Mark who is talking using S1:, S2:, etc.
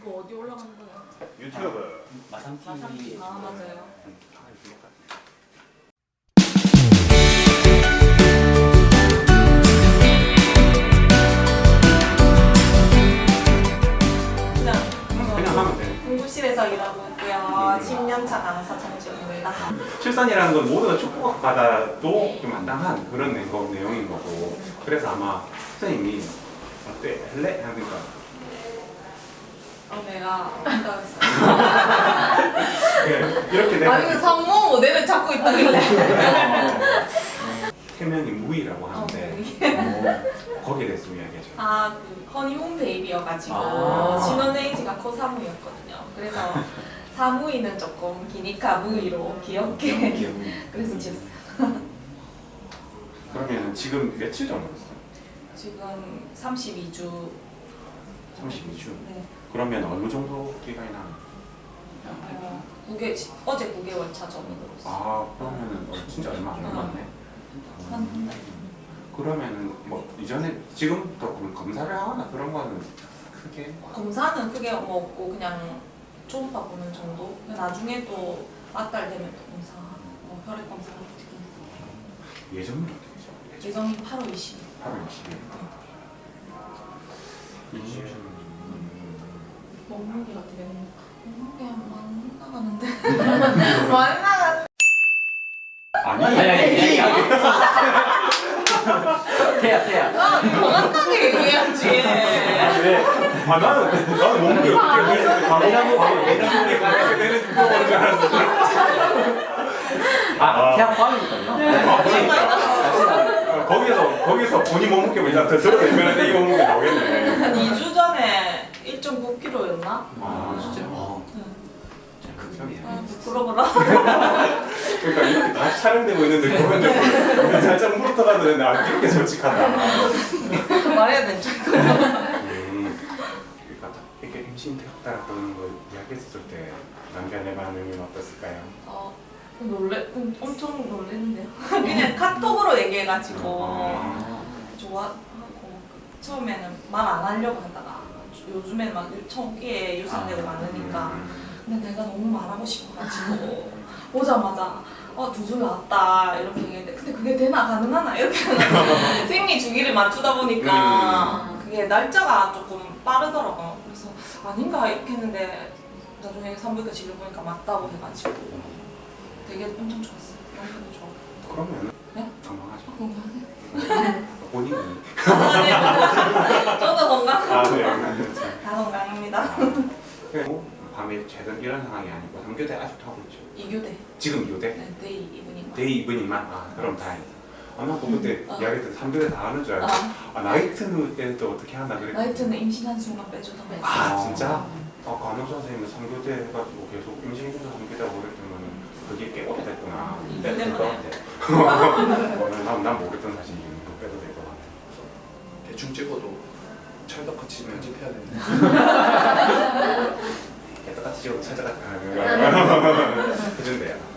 S1: 이거 어디 올라가는 거야?
S2: 유튜브.
S3: 마상 TV.
S1: 아 맞아요.
S2: 그냥 하면 돼.
S1: 공부실에서 일하고 있고요. 10년차 강사 정지입니다.
S2: 출산이라는 건 모두가 축복받아도 좀 마땅한 그런 내용인 거고. 그래서 아마 선생님이 어때? 할래? 하니까
S1: 내가 한다고 했어요.
S2: 이렇게 내가
S1: 아니 그 상모 모델을 찾고 있다길래.
S2: 태명이 무이라고 하는데
S1: 무이.
S2: 거기에 대해서 좀 이야기해줘.
S1: 그 허니문 베이비여가지고
S3: 아.
S1: 신혼에이지가 코사무였거든요. 그래서 사무이는 조금 기니까 무이로 귀엽게 그래서 지었어요.
S2: 그러면 지금 며칠 정도 됐어?
S1: 지금 32주.
S2: 32주.
S1: 네.
S2: 그러면 어느 정도 기간이 나?
S1: 어제 9개월 차 전으로서.
S2: 아 그러면은 진짜 얼마 안 남았네.
S1: 한 달.
S2: 그러면은 뭐 이전에 지금부터 검사를 하거나 그런 거는 크게
S1: 검사는 크게 뭐 없고 그냥 초음파 보는 정도. 나중에 또 맞달 되면 또 검사, 혈액 검사 같은 거.
S2: 예정은 어떻게 되죠?
S1: 예정이 8월 20일.
S2: 8월 20일.
S1: 몸무게가 되게 몸무게 많이 나가는데 많이 나가.
S2: 아니
S3: 태야.
S1: 정확하게 얘기해야지.
S2: 왜? 나는 몸무게 어떻게 되는지 바로 내가 되는지 물어보는 줄 알았는데
S3: 태양 꽝이니까요.
S2: 거기서 본인 몸무게 일단 더 들어내면 이 몸무게 나오겠네.
S1: 한 2주 전에 1.9kg였나?
S2: 아
S3: 진짜요?
S1: 부끄러워라.
S2: 그러니까 이렇게 다시 촬영되고 있는데 그러면 살짝 물어터가도 되는데 이렇게 솔직하다.
S1: 말해야 되죠.
S2: 그러니까 이렇게 임신 되었다라고 그러는 거 이야기했을 때 남편의 반응은 어땠을까요?
S1: 엄청 놀랬는데요. 그냥 카톡으로 얘기해가지고
S2: 아.
S1: 좋아하고 처음에는 말 안 하려고 하다가 요즘엔 막 초기에 유산되고 많으니까 근데 내가 너무 말하고 싶어가지고 오자마자 두 줄 나왔다 이렇게 얘기했는데 근데 그게 되나 가능하나 이렇게 생리 주기를 맞추다 보니까 그게 날짜가 조금 빠르더라고요. 그래서 아닌가 이렇게 했는데 나중에 산부인과 진료 보니까 맞다고 해가지고 되게 엄청 좋았어요. 남편도 좋았고.
S2: 그러면
S1: 네?
S2: 건강하죠.
S1: 건강해.
S2: 본인이
S1: 네. 저도 건강.
S2: 네.
S1: 다 건강합니다.
S2: 그리고 밤에 제대로 이런 상황이 아니고 3교대 아직도 하고 있죠.
S1: 2교대.
S2: 지금 2교대?
S1: 네, 데이 이브닝.
S2: 데이 이브닝만? 그럼 다행이다. 나도 그때 이야기했을 때 3교대 다 하는 줄 알고 나이트 때는 또 어떻게 한다 그랬거든.
S1: 나이트는 임신한 순간 빼주던가
S2: 아 진짜? 간호사 선생님은 3교대 해가지고 계속 임신해서 3교대 하고 그랬더니 그게 꽤 오래됐구나. 빼도 될 것 같아. 난 모르겠던 사실이 이거 빼도 될 것 같아.
S4: 대충 찍어도 찰떡같이 편집해야 되는데
S2: 똑같이 찍어도 찾아갔다 하는 거 해준대요.